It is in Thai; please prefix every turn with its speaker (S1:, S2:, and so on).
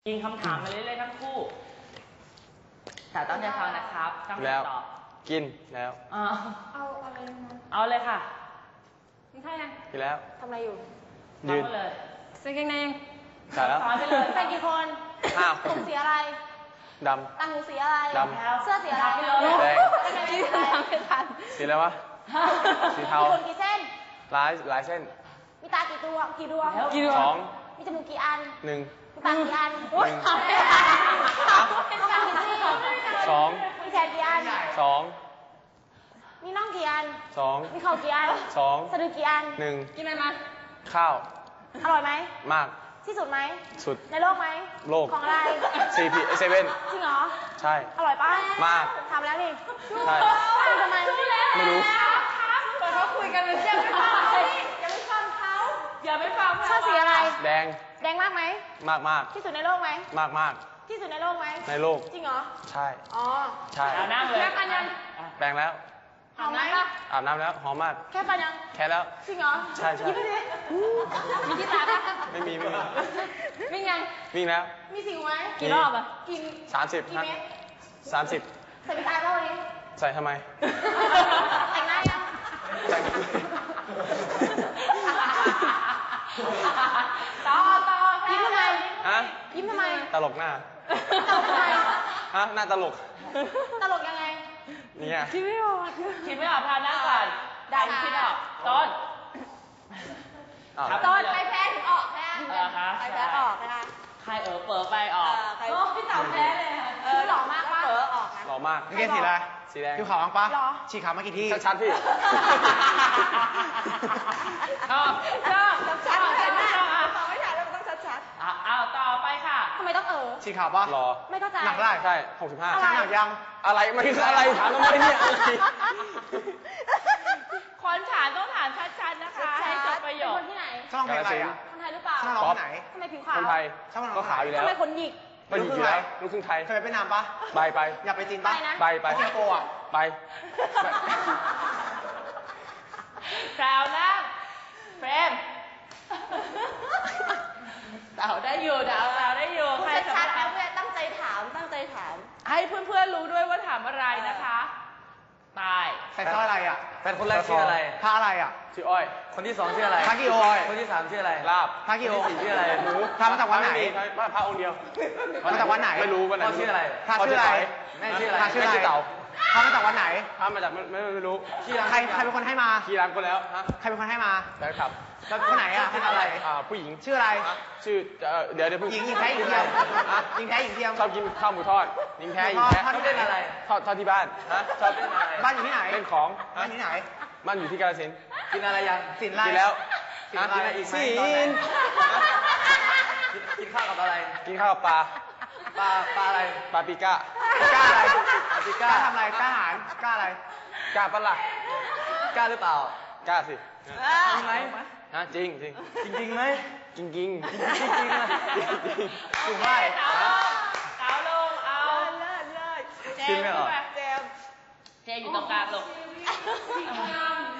S1: ยิงคำถามมาเรื่อยๆทั้งคู่แต่ต้องใจฟังนะครับต้องตอบ
S2: กินแล้ว
S3: เอาอะไรนะ
S1: เอาเลยค่ะ
S3: กินข้าวยัง
S2: กินแล้ว
S3: ทำอะไรอยู่
S2: ยืน
S1: เลย
S3: ใส่กางเกงในยัง
S2: ใส่แล้ว
S1: ไปเลย
S3: ใส่กี่คนผมสีอะไร
S2: ด
S3: ำต่างหูสีอะไร
S2: ดำ
S3: เสื้อสีอะไร
S2: แดง
S3: สี
S2: อะไรวะสีเทา
S3: คนกี่เส้น
S2: หลายเส้น
S3: มีตากี่ตัว
S2: สอง
S3: มีจมูกกี่อัน
S2: หนึ่ง
S3: มีปากกี่อัน
S2: สอง
S3: มีแขนกี่อัน
S2: สอง
S3: มีน่องกี่อัน
S2: สอง
S3: มีเข่ากี่อัน
S2: สอง
S3: สะดือกี่อัน
S2: หนึ่ง
S3: กินอะไรมา
S2: ข้าว
S3: อร่อยไหม
S2: มาก
S3: ที่สุดไหม
S2: สุด
S3: ในโลกไหม
S2: โลก
S3: ของอะไร
S2: CP 7
S3: จริงเหรอ
S2: ใช่
S3: อร่อยป่ะ
S2: มาก
S3: ทำแล้วนี่
S2: ใช่
S3: ทำไม
S2: ไม่รู้
S3: เปิดเขาคุยกันเลยยังไม่ฟังเขา
S1: อย่าไปฟัง
S3: ชอบสีอะไร
S2: แดง
S3: มากไหม
S2: มาก
S3: ที่สุดในโลกไหม
S2: มาก
S3: ที่สุดในโลกไหม
S2: ในโลก
S3: จริงเหรอ
S2: ใช่
S3: อ๋อ
S2: ใช่
S1: เอานั่งเลย
S3: แค่กันยัง
S2: แปรงแล้ว
S3: หอมไหม
S2: อาบน้ำแล้วหอมมาก
S3: แค่กันยัง
S2: แค่แล้ว
S3: จริงเหรอ
S2: ใช่
S3: มีที่ตาปะ
S2: ไม่มี
S3: วิ่งยัง
S2: วิ่งแล้ว
S3: มีสิวไหม
S1: กี่รอบอ่ะ
S3: กี่
S2: 30
S3: กี่เมตร
S2: 30
S3: ใส่ไปตายป่ะวันนี้
S2: ใส่ทำไม
S3: แต่งหน้ายัง
S2: แต่ง
S3: ต่อยิ้มทำไมยิ้มทำไม
S2: ตลกหน้า
S3: ตลกทำไม
S2: หน้าตลก
S3: ยังไง
S2: เนี่ย
S1: คิดไม่ออกพานั่งก่อนดันคิดออกต้น
S3: ใครแพ้ถึงออกนะใครแพ้ออกนะคะ
S1: ใครเปิดไปออก
S3: พี่สาวแพ้เลยหล่อมากปะออกนะ
S2: หล่อมาก
S4: นี่สีอะไร
S2: สีแดง
S4: ผิวขาวมั้งปะฉีกขาวมากี่ที
S2: ชัดพี่
S1: ชอบ
S3: ชัดไม่ถ่ายแล้วมันต้องชัด
S1: เอาต่อไปค่ะ
S3: ทำไมต้อง
S4: ฉีกขาวปะ
S2: หล่อ
S3: ไม่เข้าใจ
S4: หนักได้
S2: ใช่65
S4: ช่างหนักยัง
S2: อะไรมันคืออะไรถามทำไมเนี่ย
S1: คนถามต้องถามชัดๆนะคะให้จบประโยค
S3: คนที่ไหน
S4: ช่างเพลงอะไรอ่ะ
S3: คนไทยหรือเปล่า
S4: ช่างร้องไหน
S3: ทำไมผิวขาว
S2: คนไทยก็ขาวอยู่แล้ว
S3: ทำไมคนหยิก
S2: ก็หยิกอยู่แล้วลูกครึ่งไทย
S4: เคยไปนามปะ
S2: ไป
S4: อยากไปจีนปะ
S2: ไป
S4: สิงคโปร์อ่ะ
S2: ไป
S1: แพรวนั่งเฟรมเต่าได้อยู่
S3: ใครชัดๆนะเพื่อนตั้งใจถาม
S1: ให้เพื่อนๆรู้ด้วยว่าถามอะไรนะคะตาย
S4: ใส่สร้อยอะไรอ่ะ
S2: แฟนคนแรกชื่ออะไร
S4: พระอะไรอ่ะ
S2: ชื่ออ้อยคนที่2ชื่ออะไร
S4: พระกิโอ
S2: คนที่3ชื่ออะไรลาบ
S4: พระกิโอ
S2: คนที่4ชื่ออะไรหมู
S4: พระมาจากวันไหน
S2: พระองค์เดียว
S4: มาจากวันไหน
S2: ไม่รู้วันไหน
S4: ชื่ออะไรพระ
S2: ชื่ออะไร
S4: แม่ชื่ออะไร
S2: ชื่อเต่า
S4: พระมาจากวันไหน
S2: พระมาจากไม่รู้
S4: ใครเป็นคนให้มา
S2: ขี่ร้านคนแล้ว
S4: ใครเป็นคนให้มา
S2: แฟนคลับ
S4: แล้วคนไหนอ่ะให้อะไร
S2: ผู้หญิง
S4: ชื่ออะไร
S2: ชื่อเดี๋ยว
S4: หญิงแท้หญิงเทียมหญิงแท้หญิงเทียม
S2: ชอบกินข้าวหมูทอดหญิงแท้
S4: ทอดเล่นอะไร
S2: ทอดที่บ้านชอบเล่นอะไร
S4: บ้านอยู่ที่ไหน
S2: เล่นของ
S4: บ้านที่ไหน
S2: บ้านอยู่ที่กาฬสินธุ์
S4: กินอะไรยังสินอะไร
S2: กินแล้ว
S4: กินอะไรอีกไหมกินข้าวกับอะไร
S2: กินข้าวกับปลา
S4: อะไร
S2: ปลาปิก้า
S4: อะไรปิก้าทำอะไรกล้าหารกล้าอะไร
S2: กล้าปะล่ะ
S4: กล้าหรือเปล่า
S2: กล้าสิ
S4: จริงไหม
S2: จริง
S4: ไหม
S2: จริง
S4: ถูกไหม
S1: เอาลงเอาเจมอยู่ตรงกลางลง